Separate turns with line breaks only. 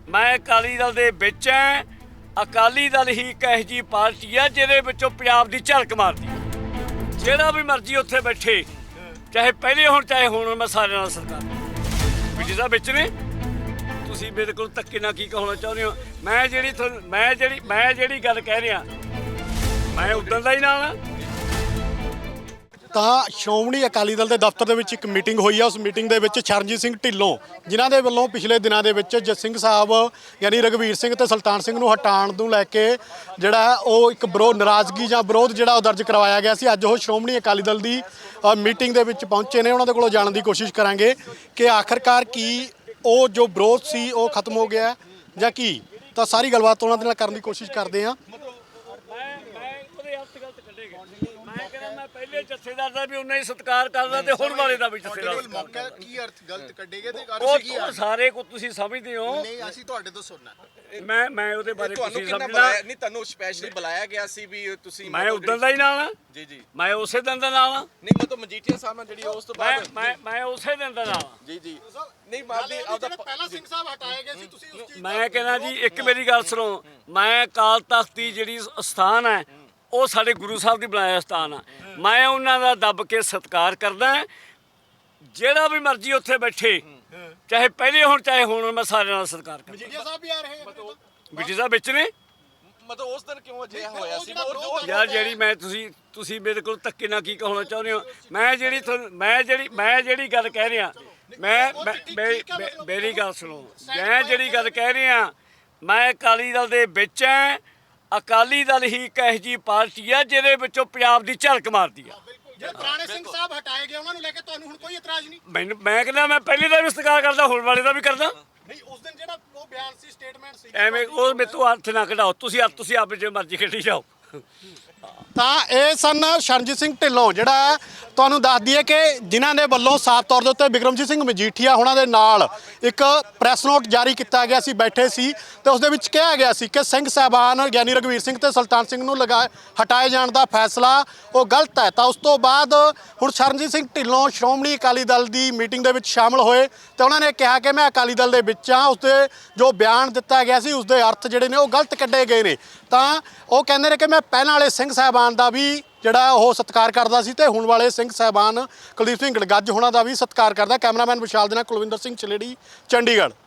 मैं अकाली दल दे विच ऐ। अकाली दल ही एक ਇਹੋ ਜਿਹੀ पार्टी है ਜਿਹਦੇ ਵਿੱਚੋਂ ਪੰਜਾਬ ਦੀ ਝਲਕ ਮਾਰਦੀ ਹੈ। ਜਿਹੜਾ ਵੀ ਮਰਜ਼ੀ ਉੱਥੇ ਬੈਠੇ, ਚਾਹੇ ਪਹਿਲੇ ਹੋਣ ਚਾਹੇ ਹੁਣ, ਮੈਂ ਸਾਰਿਆਂ ਨਾਲ ਸਰਕਾਰ ਵੀ ਜਿਹਦਾ ਵਿੱਚ ਨੇ। ਤੁਸੀਂ ਮੇਰੇ ਕੋਲ ਧੱਕੇ ਨਾਲ ਕੀ ਕਹਾਉਣਾ ਚਾਹੁੰਦੇ ਹੋ? ਮੈਂ ਜਿਹੜੀ ਗੱਲ ਕਹਿ ਰਿਹਾ, ਮੈਂ ਉਦੋਂ ਦਾ ਹੀ ਨਾਲ ਆ।
ਤਾਂ ਸ਼੍ਰੋਮਣੀ ਅਕਾਲੀ ਦਲ ਦੇ ਦਫ਼ਤਰ ਦੇ ਵਿੱਚ ਇੱਕ ਮੀਟਿੰਗ ਹੋਈ ਆ। ਉਸ ਮੀਟਿੰਗ ਦੇ ਵਿੱਚ ਚਰਨਜੀਤ ਸਿੰਘ ਢਿੱਲੋਂ, ਜਿਨ੍ਹਾਂ ਦੇ ਵੱਲੋਂ ਪਿਛਲੇ ਦਿਨਾਂ ਦੇ ਵਿੱਚ ਜਸਿੰਘ ਸਾਹਿਬ ਯਾਨੀ ਰਘਵੀਰ ਸਿੰਘ ਤੇ ਸੁਲਤਾਨ ਸਿੰਘ ਨੂੰ ਹਟਾਉਣ ਨੂੰ ਲੈ ਕੇ ਜਿਹੜਾ ਉਹ ਇੱਕ ਨਾਰਾਜ਼ਗੀ ਜਾਂ ਵਿਰੋਧ ਜਿਹੜਾ ਉਹ ਦਰਜ ਕਰਵਾਇਆ ਗਿਆ ਸੀ, ਅੱਜ ਉਹ ਸ਼੍ਰੋਮਣੀ ਅਕਾਲੀ ਦਲ ਦੀ ਮੀਟਿੰਗ ਦੇ ਵਿੱਚ ਪਹੁੰਚੇ ਨੇ। ਉਹਨਾਂ ਦੇ ਕੋਲੋਂ ਜਾਣਨ ਦੀ ਕੋਸ਼ਿਸ਼ ਕਰਾਂਗੇ ਕਿ ਆਖਰਕਾਰ ਕੀ ਉਹ ਜੋ ਵਿਰੋਧ ਸੀ ਉਹ ਖਤਮ ਹੋ ਗਿਆ ਜਾਂ ਕੀ। ਤਾਂ ਸਾਰੀ ਗੱਲਬਾਤ ਉਹਨਾਂ ਦੇ ਨਾਲ ਕਰਨ ਦੀ ਕੋਸ਼ਿਸ਼ ਕਰਦੇ ਹਾਂ।
ਪਹਿਲੇ ਜਥੇਦਾਰ ਦਾ ਵੀ ਉਹਨਾਂ ਹੀ ਸਤਿਕਾਰ ਕਰਦਾ ਤੇ ਹੁਣ ਵਾਲੇ ਦਾ ਵੀ ਜਥੇਦਾਰ
ਮੌਕਾ ਕੀ ਅਰਥ ਗਲਤ ਕੱਢੇਗੇ ਤੇ ਅਰਥ ਕੀ ਹੈ?
ਸਾਰੇ ਕੋ ਤੁਸੀਂ ਸਮਝਦੇ ਹੋ।
ਨਹੀਂ, ਅਸੀਂ ਤੁਹਾਡੇ ਤੋਂ ਸੁਣਨਾ।
ਮੈਂ ਉਹਦੇ ਬਾਰੇ
ਤੁਹਾਨੂੰ ਕਿੰਨਾ ਬੁਲਾਇਆ? ਨਹੀਂ, ਤੁਹਾਨੂੰ ਸਪੈਸ਼ਲੀ ਬੁਲਾਇਆ ਗਿਆ ਸੀ ਵੀ ਤੁਸੀਂ।
ਮੈਂ ਉਦੋਂ ਦਾ ਹੀ ਨਾਲ ਆ
ਜੀ ਜੀ।
ਮੈਂ ਉਸੇ ਦਿਨ ਦਾ ਨਾਲ ਆ।
ਨਹੀਂ, ਮੈਂ ਤਾਂ ਮਜੀਠੀਆ ਸਾਹਿਬ ਨਾਲ ਜਿਹੜੀ ਉਸ ਤੋਂ ਬਾਅਦ
ਮੈਂ ਉਸੇ ਦਿਨ ਦਾ ਨਾਲ ਆ।
ਜੀ ਜੀ। ਨਹੀਂ ਮਾਰਦੀ ਆਪਦਾ
ਪਹਿਲਾਂ ਸਿੰਘ ਸਾਹਿਬ ਹਟਾਏ ਗਏ ਸੀ, ਤੁਸੀਂ ਉਸ ਚੀਜ਼
ਮੈਂ ਕਹਿੰਦਾ ਜੀ, ਇੱਕ ਮੇਰੀ ਗੱਲ ਸੁਣੋ। ਮੈਂ ਅਕਾਲ ਤਖਤ ਦੀ ਜਿਹੜੀ ਸਥਾਨ ਹੈ ਉਹ ਸਾਡੇ ਗੁਰੂ ਸਾਹਿਬ ਦੀ ਬਣਾਇਆ ਸਥਾਨ ਆ। ਮੈਂ ਉਹਨਾਂ ਦਾ ਦੱਬ ਕੇ ਸਤਿਕਾਰ ਕਰਦਾ। ਜਿਹੜਾ ਵੀ ਮਰਜ਼ੀ ਉੱਥੇ ਬੈਠੇ, ਚਾਹੇ ਪਹਿਲੇ ਹੋਣ ਚਾਹੇ ਹੁਣ, ਮੈਂ ਸਾਰਿਆਂ ਨਾਲ ਸਤਿਕਾਰ ਕਰਦਾ।
ਮਜੀਠੀਆ ਸਾਹਿਬ ਵੀ ਆ ਰਹੇ
ਬਿਟੀ ਸਾਹਿਬ ਵਿੱਚ ਨੇ।
ਮਤਲਬ ਉਸ ਦਿਨ ਕਿਉਂ ਅਜਿਹਾ ਹੋਇਆ ਸੀ?
ਯਾਰ ਜਿਹੜੀ ਮੈਂ ਤੁਸੀਂ ਮੇਰੇ ਕੋਲ ਧੱਕੇ ਨਾਲ ਕੀ ਕਹਾਉਣਾ ਚਾਹੁੰਦੇ ਹੋ? ਮੈਂ ਜਿਹੜੀ ਗੱਲ ਕਹਿ ਰਿਹਾ, ਮੇਰੀ ਗੱਲ ਸੁਣੋ। ਮੈਂ ਜਿਹੜੀ ਗੱਲ ਕਹਿ ਰਿਹਾ, ਮੈਂ ਅਕਾਲੀ ਦਲ ਦੇ ਵਿੱਚ ਐ। ਅਕਾਲੀ ਦਲ ਹੀ ਇੱਕ ਇਹੋ ਜਿਹੀ ਪਾਰਟੀ ਹੈ ਜਿਹਦੇ ਵਿੱਚੋਂ ਪੰਜਾਬ ਦੀ ਝਲਕ ਮਾਰਦੀ ਆ।
ਜੇ ਪੁਰਾਣੇ ਸਿੰਘ ਸਾਹਿਬ ਹਟਾਏ ਗਏ ਉਹਨਾਂ ਨੂੰ ਲੈ ਕੇ ਤੁਹਾਨੂੰ ਹੁਣ ਕੋਈ ਇਤਰਾਜ਼ ਨਹੀਂ?
ਮੈਂ ਕਹਿੰਦਾ ਮੈਂ ਪਹਿਲੇ ਦਾ ਵੀ ਸਤਿਕਾਰ ਕਰਦਾ, ਹੁਣ ਵਾਲੇ ਦਾ ਵੀ ਕਰਦਾ।
ਨਹੀਂ, ਉਸ ਦਿਨ ਜਿਹੜਾ ਉਹ ਬਿਆਨ ਸੀ, ਸਟੇਟਮੈਂਟ ਸੀ,
ਐਵੇਂ ਉਹ ਮੇਰੇ ਤੋਂ ਹੱਥ ਨਾ ਕਢਾਓ। ਤੁਸੀਂ ਆਪ ਜੇ ਮਰਜ਼ੀ ਖੇਡੀ ਜਾਓ।
ਤਾਂ ਇਹ ਸਨ ਚਰਨਜੀਤ ਸਿੰਘ ਢਿੱਲੋਂ। ਜਿਹੜਾ ਤੁਹਾਨੂੰ ਦੱਸ ਦਈਏ ਕਿ ਜਿਨ੍ਹਾਂ ਦੇ ਵੱਲੋਂ ਸਾਫ਼ ਤੌਰ ਦੇ ਉੱਤੇ ਬਿਕਰਮਜੀਤ ਸਿੰਘ ਮਜੀਠੀਆ ਉਹਨਾਂ ਦੇ ਨਾਲ ਇੱਕ ਪ੍ਰੈਸ ਨੋਟ ਜਾਰੀ ਕੀਤਾ ਗਿਆ ਸੀ, ਬੈਠੇ ਸੀ, ਤੇ ਉਸ ਦੇ ਵਿੱਚ ਕਿਹਾ ਗਿਆ ਸੀ ਕਿ ਸਿੰਘ ਸਾਹਿਬਾਨ ਯਾਨੀ ਰਘਵੀਰ ਸਿੰਘ ਤੇ ਸੁਲਤਾਨ ਸਿੰਘ ਨੂੰ ਹਟਾਏ ਜਾਣ ਦਾ ਫੈਸਲਾ ਉਹ ਗਲਤ ਹੈ। ਤਾਂ ਉਸ ਤੋਂ ਬਾਅਦ ਹੁਣ ਚਰਨਜੀਤ ਸਿੰਘ ਢਿੱਲੋਂ ਸ਼੍ਰੋਮਣੀ ਅਕਾਲੀ ਦਲ ਦੀ ਮੀਟਿੰਗ ਦੇ ਵਿੱਚ ਸ਼ਾਮਲ ਹੋਏ ਤੇ ਉਹਨਾਂ ਨੇ ਕਿਹਾ ਕਿ ਮੈਂ ਅਕਾਲੀ ਦਲ ਦੇ ਵਿੱਚ ਹਾਂ। ਉਸਦੇ ਜੋ ਬਿਆਨ ਦਿੱਤਾ ਗਿਆ ਸੀ ਉਸਦੇ ਅਰਥ ਜਿਹੜੇ ਨੇ ਉਹ ਗਲਤ ਕੱਢੇ ਗਏ ਨੇ। ਤਾਂ ਉਹ ਕਹਿੰਦੇ ਨੇ ਕਿ ਮੈਂ ਪਹਿਲਾਂ ਵਾਲੇ ਸਿੰਘ ਸਾਹਿਬਾਨ ਦਾ ਵੀ ਜਿਹੜਾ ਉਹ ਸਤਿਕਾਰ ਕਰਦਾ ਸੀ ਤੇ ਹੁਣ ਵਾਲੇ ਸਿੰਘ ਸਾਹਿਬਾਨ ਕੁਲਦੀਪ ਸਿੰਘ ਗੜਗੱਜ ਹੋਣਾ ਦਾ ਵੀ ਸਤਿਕਾਰ ਕਰਦਾ। ਕੈਮਰਾਮੈਨ ਵਿਸ਼ਾਲ ਦੇ ਨਾਲ ਕੁਲਵਿੰਦਰ ਸਿੰਘ ਚਲੇੜੀ, ਚੰਡੀਗੜ੍ਹ।